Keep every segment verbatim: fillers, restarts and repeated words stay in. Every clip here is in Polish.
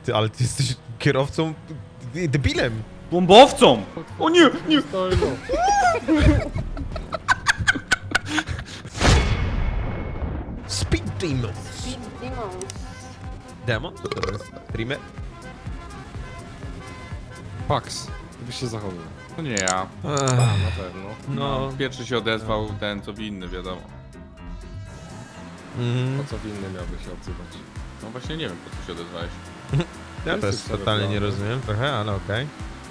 Ty, ale ty jesteś kierowcą... Ty, debilem! Bombowcą! O nie, nie! Stoi, no. Speed Demons! Speed Demons. Demon? Co to jest? Dreamer? Pax. Ty byś się zachowywał. To nie ja. Ech, Na pewno. no... Pierwszy się odezwał ten, co winny, wiadomo. Mm, Po co winny miałby się odzywać? No właśnie nie wiem, po co się odezwałeś. ja też Jesteś totalnie nie cerebralny. rozumiem trochę, ale okej.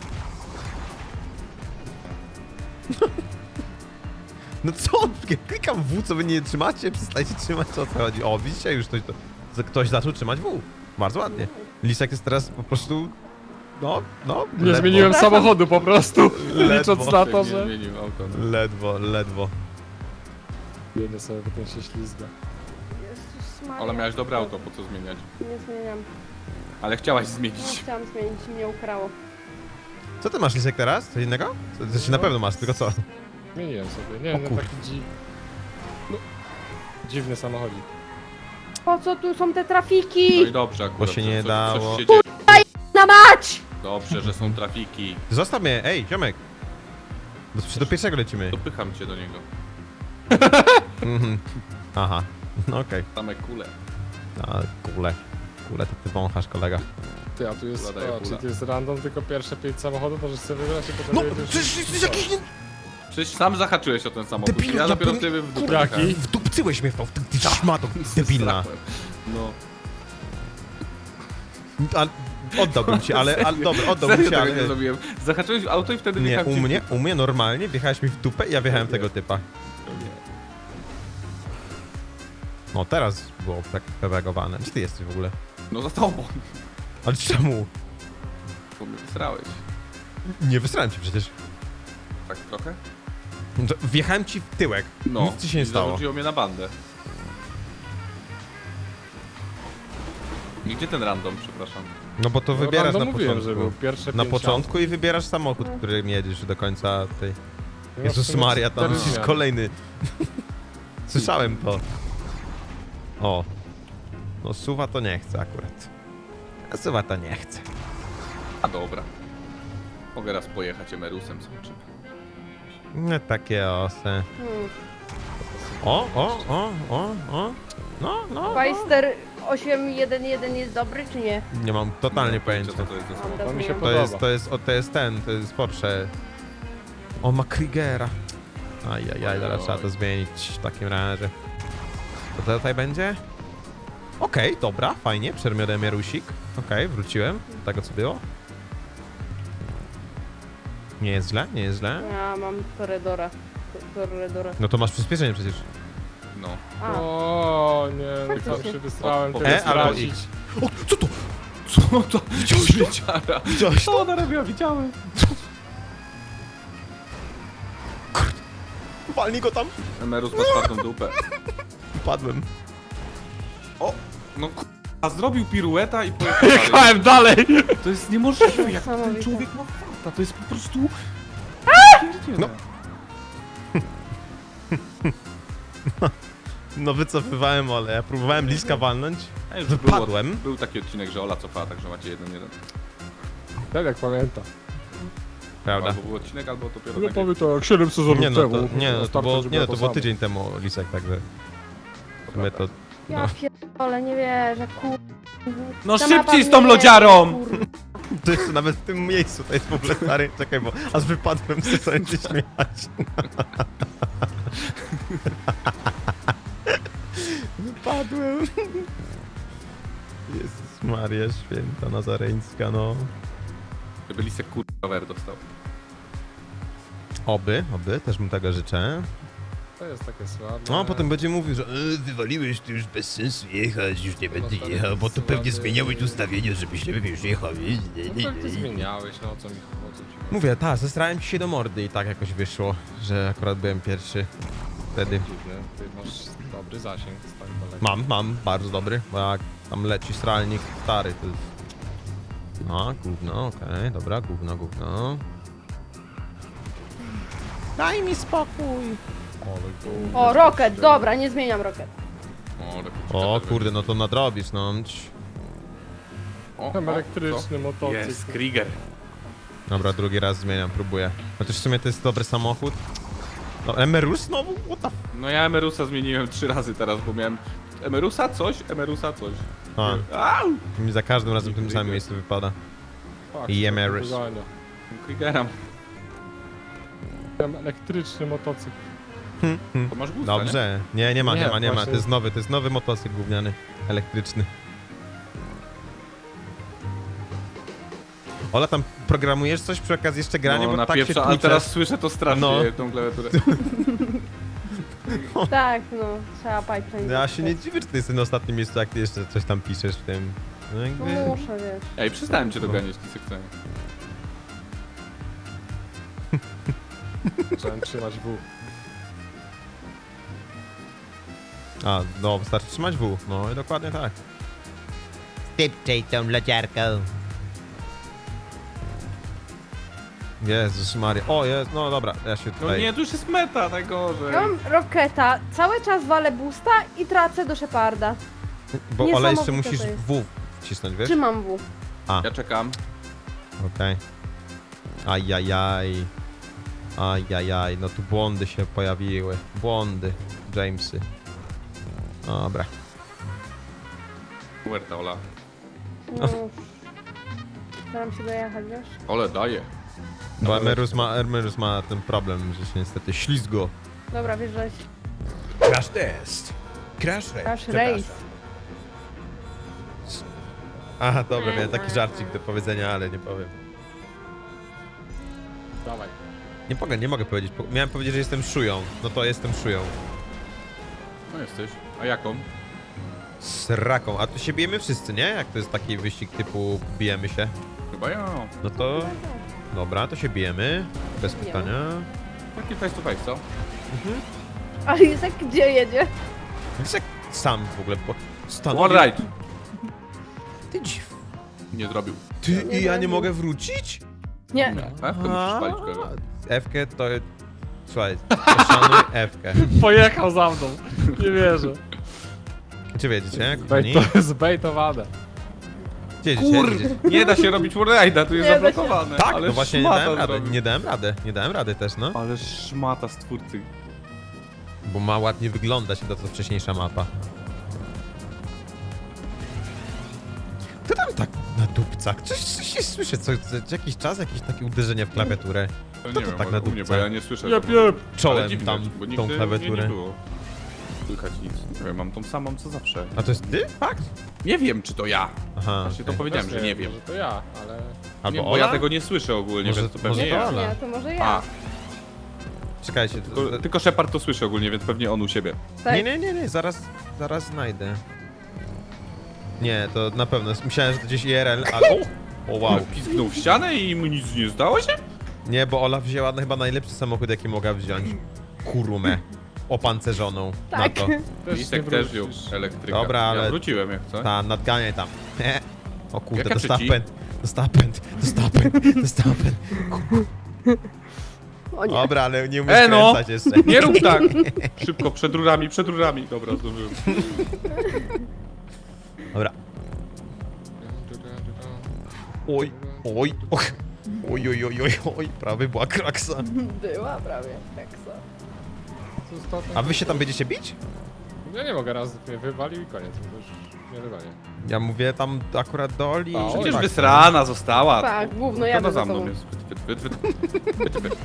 No co? Klikam W, co wy nie trzymacie? Przestajcie trzymać, co o co chodzi? O, widzicie, już ktoś, to, ktoś zaczął trzymać W. Bardzo ładnie. Lisek jest teraz po prostu... No, no... Nie ledwo, zmieniłem samochodu po prostu. Ledwo. Licząc na to, Nie że... zmienił auto. No. Ledwo, ledwo. Jedę sobie, bo ten się ślizga. Jezus Maria. Ale miałeś dobre auto, po co zmieniać? Nie zmieniam. Ale chciałaś Nie zmienić. chciałam zmienić, mnie ukrało. Co ty masz, Lisek, teraz? Coś innego? Co, coś na pewno masz, tylko co? Zmieniłem sobie. Nie O wiem, kur- taki dzi... No. Dziwny samochodzik. Po co tu są te No trafiki? i dobrze akurat. Bo się że nie coś, dało. Coś się dzieje. Na mać! Dobrze, że są trafiki. Zostaw mnie, ej, ziomek! Do, do pierwszego lecimy. Dopycham cię do niego. Mhm. Aha, no okej. Same kule. A, kule. Kule to ty wąchasz, kolega. Ty, a tu jest... Zadaję O, pula. czyli to jest random, tylko pierwsze pięć samochodów możesz sobie wybrać i potem... No, jedziesz- przecież jesteś jakiś... nie- Przecież sam zahaczyłeś o ten samochód. Debilu, ja ja dopiero bym- ciebie w dupę Jaki? pchałem. Wdupcyłeś mnie w to, ty, ty szmato debilna. No. Ale oddałbym ci, ale, ale dobra, oddałbym Serio ci, tego nie ale... zrobiłem. Zahaczyłeś w auto i wtedy Nie, wjechałem u ci w mnie, dupę. u mnie normalnie wjechałeś mi w dupę i ja wjechałem Nie. tego typa. Nie. No teraz było tak pedagowane. Gdzie ty jesteś w ogóle? No za tobą. Ale czemu? Bo mnie wysrałeś. Nie wysrałem ci przecież. Tak trochę? No to Wjechałem ci w tyłek. No. Nic ci się nie i stało. zarzuciło mnie na bandę. I gdzie ten random, przepraszam? No bo to No, wybierasz random na mówiłem, początku. że był pierwsze Na pięć początku i wybierasz samochód, którym jedziesz do końca tej... aut. Ja w Jezus sumie Maria, tam cztery jest zmiany. kolejny. Słyszałem to. O. No suwa to nie chce akurat. A suwa to nie chce. A dobra. Mogę raz pojechać emerusem, zobaczymy. No takie osy. Hmm. O, o, o, o, o. No, no. Weister osiem jeden jeden jest dobry czy nie? Nie mam totalnie pojęcia. Co to jest za samochód. Dobra, To mi się zmieniam. To podoba. jest, to jest, o, to jest ten, to jest Porsche. O, ma Kriegera. Ajajaj, zaraz trzeba to zmienić w takim razie. Co to tutaj będzie? Okej, dobra, fajnie, przermiodem Jarusik. Okej, wróciłem do tego, co było. Nie jest źle, nie jest źle. Ja mam Toredora. Toredora. No to masz przyspieszenie przecież. No. A, O nie, no to Faktycznie. się wystrałem, Po- ty po- E albo stracić. X. O, co to? Co to? Widziałeś wieciara? Widziałeś Co to? ona robiła? Widziałem. Walnij go tam. Emerus ma czwartą dupę. Padłem. O! No k***a, zrobił pirueta i pojechał dalej. Jechałem dalej! To jest niemożliwe, jak ten Niesamowite. człowiek ma farta. To jest po prostu... Pierdziele. No. No wycofywałem, ale ja próbowałem bliska walnąć. A już Wypadłem. Było, był taki odcinek, że Ola cofała, także macie jeden jeden. Tak jak pamiętam. Prawda. Albo był odcinek, albo dopiero No tak powie to jak siedem sezonów Nie no, temu. to, nie, no, to Starczy, było, żeby nie, no, to to było samo. tydzień temu, Lisek, także w sumie to... ja pierdolę, nie wierzę, kur... No Ta szybciej mapa z tą mnie- lodziarą! kur- To jest nawet w tym miejscu, to jest w ogóle stary, czekaj, bo aż wypadłem, chcę sobie się śmiać. Wypadłem. Jezus Maria Święta Nazareńska, no. Żeby Lisek kur... rower dostał. Oby, oby, też mu tego życzę. To jest takie słabe. No, a potem będzie mówił, że e, wywaliłeś, to już bez sensu jechać, już nie będę stary, jechał, bo tu słaby. pewnie zmieniałeś ustawienie, żebyś nie już jechał. No to ty zmieniałeś, no o co mi o co ci chodzi? Mówię, tak, zestrałem ci się do mordy i tak jakoś wyszło, że akurat byłem pierwszy wtedy. Dziwne, ty masz dobry zasięg z tak daleko. Mam, mam, bardzo dobry, bo jak tam leci stralnik stary, to jest... No, gówno, okej, dobra, gówno, gówno. Daj mi spokój! Ale go- O, Rocket, dobra, nie zmieniam Rocket. O, lepiej O ciekawe, kurde, no to nadrobisz, no. O, Tam o, elektryczny co? motocykl. Jest, Krieger. Dobra, drugi raz zmieniam, próbuję. Chociaż w sumie to jest dobry samochód. No, Emerus znowu? What the f... No ja Emerusa zmieniłem trzy razy teraz, bo miałem Emerusa coś, Emerusa coś. A, Au! mi za każdym razem w tym samym miejscu wypada. Fuck, I co Emerus. to dogania. Kriegera. Tam elektryczny motocykl. To masz gusta, nie? Dobrze. Nie, nie ma, nie, Nie, ma, nie ma. właśnie- To jest nowy, to jest nowy motocykl gówniany. Elektryczny. Ola, tam programujesz coś przy okazji jeszcze grania, No, bo na tak się pierwsza, ale tłuczesz. teraz słyszę to strasznie, No. tą klawiaturę. Tak, no, trzeba pipeline. Ja się nie dziwię, że ty jesteś na ostatnim miejscu, jak ty jeszcze coś tam piszesz w tym. No No jakby... muszę, wiesz. Ej, przestałem cię doganiać, Kisek. Trzeba trzymać W. A, no, wystarczy trzymać W. No i dokładnie tak. Szybciej tą leciarką. Jezus Maria. O, jest, no dobra, ja się No tutaj... nie, to już jest meta, najgorzej. Ja mam Roketa, cały czas walę boosta i tracę do Sheparda. Bo Ola jeszcze niesamowite musisz to jest. W wcisnąć, wiesz? Trzymam W. Ja czekam. Okej. Ajajaj. Ajajaj, no tu błądy się pojawiły. Błądy. Jamesy. Dobra. Huerta, Ola. No, staram się dojechać, wiesz? Ole, daje. Bo Emerus ma, Emerus ma ten problem, że się niestety ślizgo. Dobra, wjeżdżać. Crash test. Crash race. Crash race. Aha, dobra, miałem taki żarcik do powiedzenia, ale nie powiem. Dawaj. Nie mogę, nie mogę powiedzieć. Po- Miałem powiedzieć, że jestem szują. No to jestem szują. No jesteś. A jaką? Sraką. A tu się bijemy wszyscy, nie? Jak to jest taki wyścig typu bijemy się. Chyba ja. No to... Dobra, to się bijemy. Bez Bijemy. pytania. Taki face to face, co? Ale jest jak gdzie jedzie? Wiesz jak sam w ogóle po... stanął. One right. Ty dziw. Nie zrobił. Ty Nie i ja nie zrobił. mogę wrócić? Nie. F-kę musisz palić kogo. F-kę to... Słuchaj, poszanuj F-kę. Pojechał za mną. Nie wierzę. Czy wiedzicie, jak Bait, oni? to jest zbejtowane. Gdzie jedziecie? Kur... Jedziecie? Nie da się robić wallride'a, tu jest Nie da się. zablokowane. Tak, ale no właśnie nie szmata dałem rady. zrobił. Nie dałem rady. Nie dałem rady też, no. Ale szmata z twórcy. Bo ma ładnie wyglądać to co wcześniejsza mapa. Kto tam tak na dupcach? Coś, coś się słyszę, co, co, jakiś czas, jakieś takie uderzenie w klawiaturę. To Kto nie to wiem, tak ale na u mnie, dupce? bo ja nie słyszę. Jep, tego. jep. Czołem Ale dziwne, tam bo tą nigdy klawiaturę. Nie, nie było. Słychać nic. Nie wiem, mam tą samą co zawsze. A to jest ty? Fakt? Nie wiem, czy to ja. Aha. Właśnie to okej. powiedziałem, Też że nie wiem. Może to ja, ale... Albo Nie, bo Ola? ja tego nie słyszę ogólnie, Może- więc to może pewnie to ja. Ola. Nie, to może A, ja. Czekajcie. To, tylko, tylko Shepard to słyszy ogólnie, więc pewnie on u siebie. Tak. Nie, nie, nie, nie, zaraz, zaraz znajdę. Nie, to na pewno. Myślałem, że to gdzieś I R L, ale... O, o wow. Pisknął w ścianę i mu nic nie zdało się? Nie, bo Ola wzięła no, chyba najlepszy samochód, jaki mogła wziąć. Kurumę. Opancerzoną. Tak. Na to. Też Lisek nie też wziął wrócisz. elektryka. Dobra, ale- Ja wróciłem jak co? Ta, nadganiaj tam. O kurde, Jaka dostała trzeci? pęd. Dostała pęd. Dostała pęd. Dostała pęd. O nie. Dobra, ale nie umiesz E, no! kręcać jeszcze. Nie rób tak! Szybko, przed rurami, przed rurami. Dobra, zdążyłem. Dobra. Oj, oj, och. Oj, oj, oj, oj, oj, prawie była kraksa. Była prawie teksa. Co z to- A wy się tam będziecie bić? Ja nie mogę, raz mnie wywalił i koniec. To już nie wywalię. Ja mówię tam akurat do Oli. A, że Oli. Przecież tak. wysrana została. Tak, główno To jadę za za mną tobą. jest. Wyt, wyt, wyt, wyt, wyt, wyt,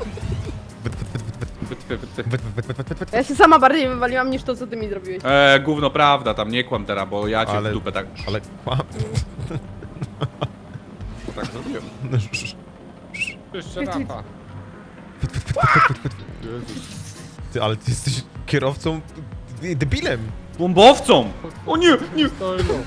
wyt, wyt, wyt. Ja się sama bardziej wywaliłam niż to, co ty mi zrobiłeś. Eee, gówno prawda, tam nie kłam teraz, bo ja cię Ale- w dupę tak... Ale kłam. tak zrobiłem. Jeszcze Rafa. Ty, ale ty jesteś kierowcą ty, debilem. Bombowcą! O nie, nie! Stoi, no.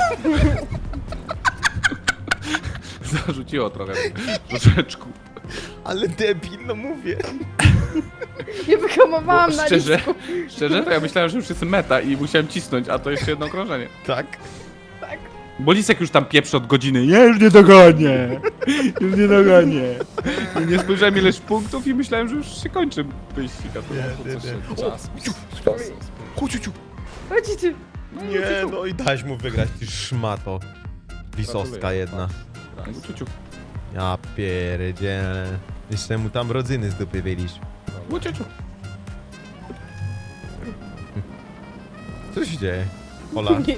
Zarzuciło trochę. Troszeczkę. Ale debil, no mówię. Nie wyhamowałam Bo na szczerze, lisku. szczerze, to ja myślałem, że już jest meta i musiałem cisnąć, a to jeszcze jedno okrążenie. Tak. Tak. Bo Lisek już tam pieprzy od godziny. Ja już nie dogonię! Już nie dogonię. I nie spojrzałem ileś punktów i myślałem, że już się kończy wyścig. a to- Nie, Co się nie. czas. Chodź, ciu. Chodźcie. Nie, no i dałeś mu wygrać, ty szmato. Pisowska Gratuluję. jedna. Raz. Łuciuciu. Ja pierdzielę. Jeszcze mu tam rodzyny z dupy wylisz. Łuciuciu. Co się dzieje? Ola? Nic.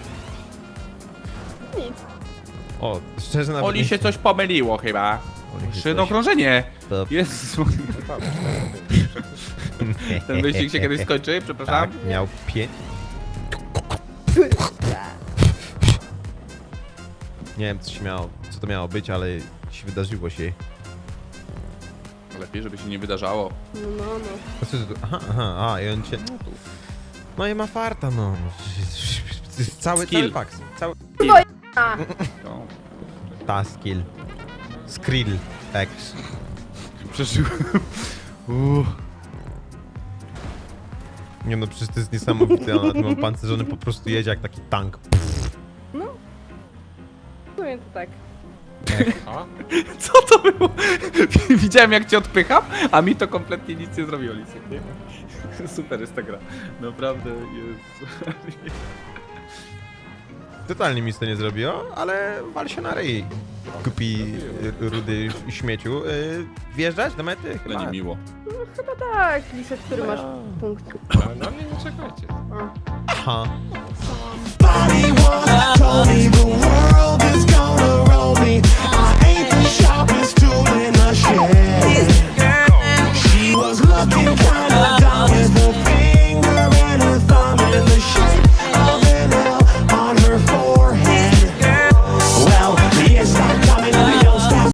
Nic. O, szczerze nawet Oli nie- się coś pomyliło chyba. Oli się Jeszcze jedno coś- okrążenie. To- Jezus. No tak, Ten wyścig się kiedyś skończy, przepraszam. Tak, miał pięć. Nie wiem, co się miało, co to miało być, ale się wydarzyło się. Lepiej, żeby się nie wydarzało. No, no, no. A co to tu? Aha, aha, a i on cię... No i ma farta, no. Cały, Skill. cały pak. Cały... A, No. Ta skill. Skrill. X. Przeżyłem. Uuu. Nie no, przecież to jest niesamowite, on na tym opancerzony po prostu jedzie jak taki tank. w sumie to tak. A? Co to było? Widziałem jak cię odpycham, a mi to kompletnie nic nie zrobiło, Lisek. Nie? Super jest ta gra. Naprawdę jest. Totalnie mi to nie zrobiło, ale wal się na ryj. Kupi y, rudy śmieciu. Y, wjeżdżać do mety? Chyba. Będzie miło. Chyba tak, Lisek, który masz punkt. Ale na mnie nie czekajcie. Aha. Body wanna, Tony will